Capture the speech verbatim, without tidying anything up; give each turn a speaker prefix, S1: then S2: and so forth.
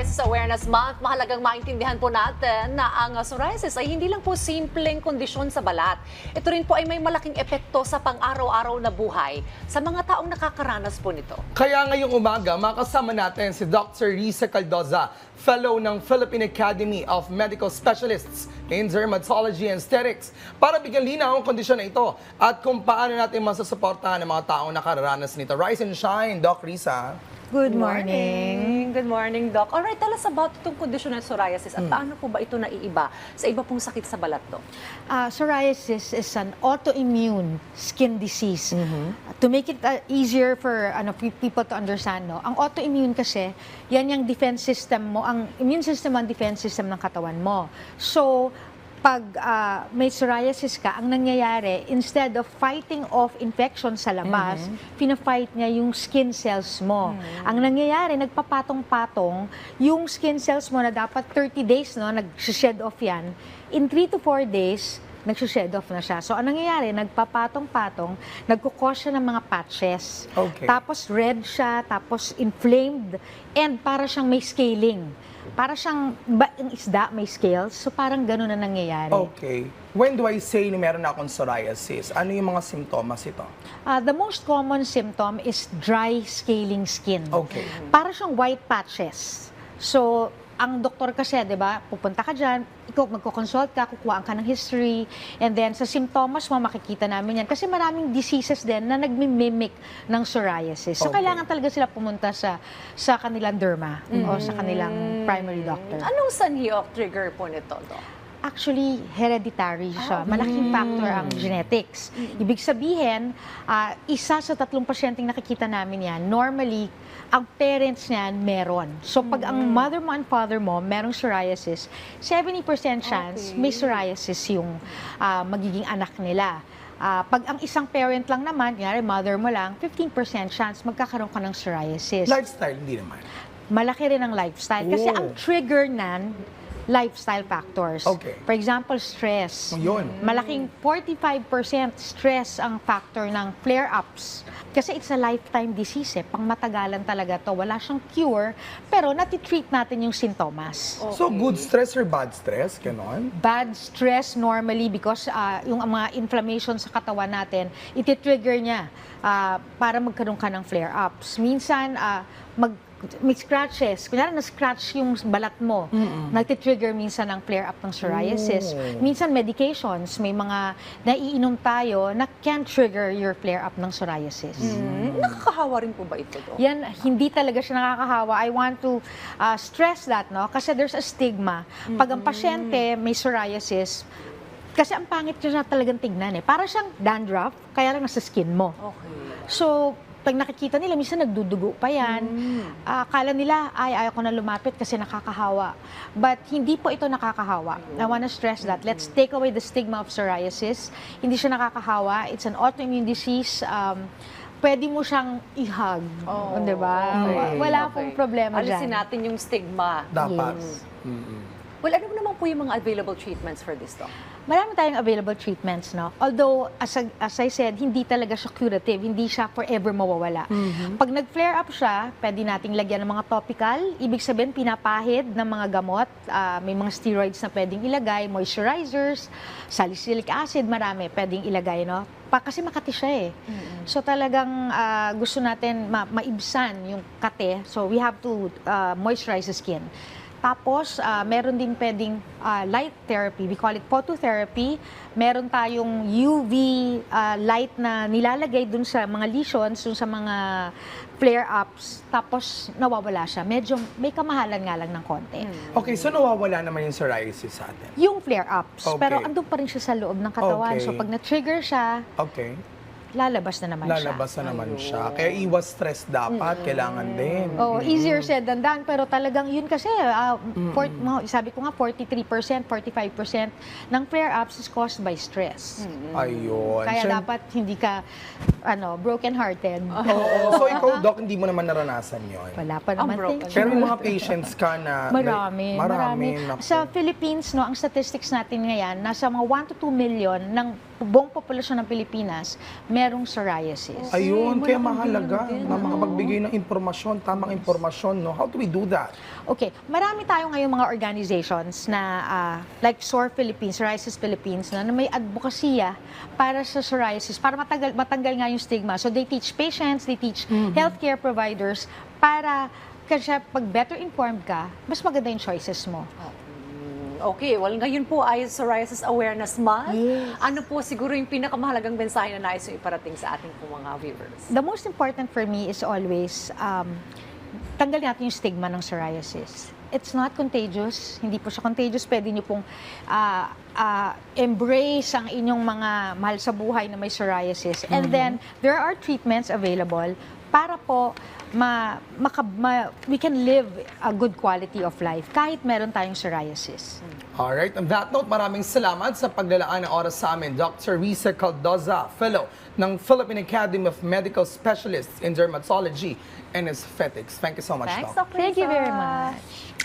S1: Psoriasis Awareness Month, mahalagang maintindihan po natin na ang uh, psoriasis ay hindi lang po simpleng kondisyon sa balat. Ito rin po ay may malaking epekto sa pang-araw-araw na buhay sa mga taong nakakaranas po nito.
S2: Kaya ngayong umaga, makasama natin si Doctor Risa Caldoza, Fellow ng Philippine Academy of Medical Specialists in Dermatology and Aesthetics, para bigyan linaw ang kondisyon na ito at kung paano natin masasuportahan ang mga taong nakararanas nito. Rise and shine, Doc Risa.
S3: Good morning.
S1: Good morning, Doc. Alright, tell us about itong kondisyon ng psoriasis at paano po ba ito naiiba sa iba pong sakit sa balat, Doc?
S3: Uh, psoriasis is an autoimmune skin disease. To make it uh, easier for ano, pe- people to understand, no? Ang autoimmune kasi, yan yung defense system mo, ang immune system ang defense system ng katawan mo. So, pag uh, may psoriasis ka, ang nangyayari, instead of fighting off infection sa labas, mm-hmm. pina-fight niya yung skin cells mo. Mm-hmm. Ang nangyayari, nagpapatong-patong yung skin cells mo na dapat thirty days, no, nag-shed off yan. In three to four days, nag-shed off na siya. So, ang nangyayari, nagpapatong-patong, nagkukos siya ng mga patches.
S2: Okay.
S3: Tapos red siya, tapos inflamed, and para siyang may scaling. Para siyang, ba, yung isda may scales, so parang gano'n na nangyayari.
S2: Okay. When do I say na meron na akong psoriasis? Ano yung mga simptomas ito?
S3: Uh, the most common symptom is dry scaling skin.
S2: Okay.
S3: Para siyang white patches. So, ang doktor kasi, di ba, pupunta ka dyan, ikaw magkoconsult ka, kukuhaan ka ng history, and then sa symptoms mo, makikita namin yan. Kasi maraming diseases din na nagmimimic ng psoriasis. So,
S2: Okay.
S3: kailangan talaga sila pumunta sa sa kanilang derma o sa kanilang primary doctor.
S1: Anong sanhi of trigger po nito, Doc?
S3: Actually, hereditary siya. Malaking factor ang genetics. Ibig sabihin, ah, isa sa tatlong pasyenteng nakikita namin yan, normally, ang parents niyan meron. So, pag ang mother mo and father mo merong psoriasis, seventy percent chance
S1: Okay.
S3: may psoriasis yung ah, magiging anak nila. Ah, pag ang isang parent lang naman, yari mother mo lang, fifteen percent chance magkakaroon ka ng psoriasis.
S2: Lifestyle, hindi naman.
S3: Malaki rin ang lifestyle. Kasi
S2: Oh.
S3: ang trigger nan, lifestyle factors.
S2: Okay.
S3: For example, stress.
S2: Yun.
S3: Malaking forty-five percent stress ang factor ng flare-ups. Kasi it's a lifetime disease eh. Pangmatagalan talaga to. Wala siyang cure, pero natitreat natin yung sintomas.
S2: So, good stress or bad stress? Ganon?
S3: Bad stress normally because uh, yung mga inflammation sa katawan natin, iti-trigger niya uh, para magkaroon ka ng flare-ups. Minsan, uh, mag may scratches. Kunyari, na-scratch yung balat mo. Nagtitrigger minsan ng flare-up ng psoriasis.
S2: Oh.
S3: Minsan, medications. May mga naiinom tayo na can trigger your flare-up ng psoriasis.
S1: Hmm, nakakahawa rin po ba ito, Doc?
S3: Yan, hindi talaga siya nakakahawa. I want to uh, stress that, no? Kasi there's a stigma. Pag ang pasyente may psoriasis, kasi ang pangit niya talagang tignan eh. Para siyang dandruff, kaya lang nasa skin mo.
S1: Okay.
S3: So, pag nakikita nila, minsan nagdudugo pa yan. Ah, akala nila, ay, ayaw ko na lumapit kasi nakakahawa. But hindi po ito nakakahawa. I wanna stress that. Let's take away the stigma of psoriasis. Hindi siya nakakahawa. It's an autoimmune disease. Um, pwede mo siyang i-hug.
S1: Oh,
S3: Di ba?
S1: okay.
S3: Wala
S1: Okay.
S3: pong problema
S1: Alisin
S3: dyan.
S1: natin yung stigma.
S2: Dapat.
S3: Yes.
S2: Mm-mm.
S1: Well, ano naman po yung mga available treatments for this, Doc?
S3: Marami tayong available treatments, no? Although, as, I- as I said, hindi talaga siya curative, hindi siya forever mawawala. Pag nag-flare up siya, pwede nating lagyan ng mga topical, ibig sabihin, pinapahid ng mga gamot, ah, may mga steroids na pwedeng ilagay, moisturizers, salicylic acid, marami pwedeng ilagay, no? Pa, kasi makati siya eh. So talagang ah, gusto natin ma- maibsan yung kate, so we have to ah, moisturize the skin. Tapos, ah, meron din pwedeng ah, light therapy. We call it phototherapy. Meron tayong U V ah, light na nilalagay dun sa mga lesions, dun sa mga flare-ups. Tapos, nawawala siya. Medyo may kamahalan nga lang ng konti.
S2: Okay, so nawawala naman yung psoriasis sa atin.
S3: Yung flare-ups.
S2: Okay.
S3: Pero andun pa rin siya sa loob ng katawan.
S2: Okay.
S3: So, pag na-trigger siya,
S2: Okay.
S3: lalabas na naman siya.
S2: Lalabas na naman siya. Kaya iwas stress dapat, kailangan din.
S3: Oh, easier said than done, pero talagang yun kasi, ah, for- mga- sabi ko nga, forty-three percent, forty-five percent ng flare-ups is caused by stress.
S2: Ayun.
S3: Kaya
S2: Siyem-
S3: dapat hindi ka ano, broken-hearted.
S2: Oo. So ikaw, Doc, hindi mo naman naranasan yon.
S3: Wala pa
S1: Ang
S3: naman.
S1: broken.
S3: thank you.
S2: Pero yung mga patients ka na...
S3: Marami,
S2: like, marami.
S3: marami.
S2: naku.
S3: Sa Philippines, no, ang statistics natin ngayon, nasa mga one to two million ng buong populasyon ng Pilipinas merong psoriasis.
S2: Ayun,
S1: Okay,
S2: kaya
S1: malaking
S2: mahalaga
S1: tulong din,
S2: na
S1: no?
S2: makapagbigay ng impormasyon, tamang impormasyon, no? How do we do that?
S3: Okay, marami tayo ngayong mga organizations na ah, like S O R Philippines, Psoriasis Philippines, na, na may advokasya para sa psoriasis, para matagal, matanggal nga yung stigma. So they teach patients, they teach healthcare providers para kasi pag better informed ka, mas maganda yung choices mo.
S1: Okay, well ngayon po ay Psoriasis Awareness Month.
S3: Yes.
S1: Ano po siguro yung pinakamahalagang mensahe na nais yung iparating sa ating po mga viewers?
S3: The most important for me is always um, tanggal natin yung stigma ng psoriasis. It's not contagious. Hindi po siya contagious. Pwede niyo pong ah, ah, embrace ang inyong mga mahal sa buhay na may psoriasis. And then, there are treatments available para po ma, maka, ma- we can live a good quality of life kahit meron tayong psoriasis.
S2: Alright, on that note, maraming salamat sa paglalaan ng oras sa amin. Doctor Risa Caldoza, Fellow ng Philippine Academy of Medical Specialists in Dermatology and Aesthetics. Thank you so much,
S1: Thanks,
S2: Doc.
S1: Doctor
S3: Thank you very
S1: Risa.
S3: much.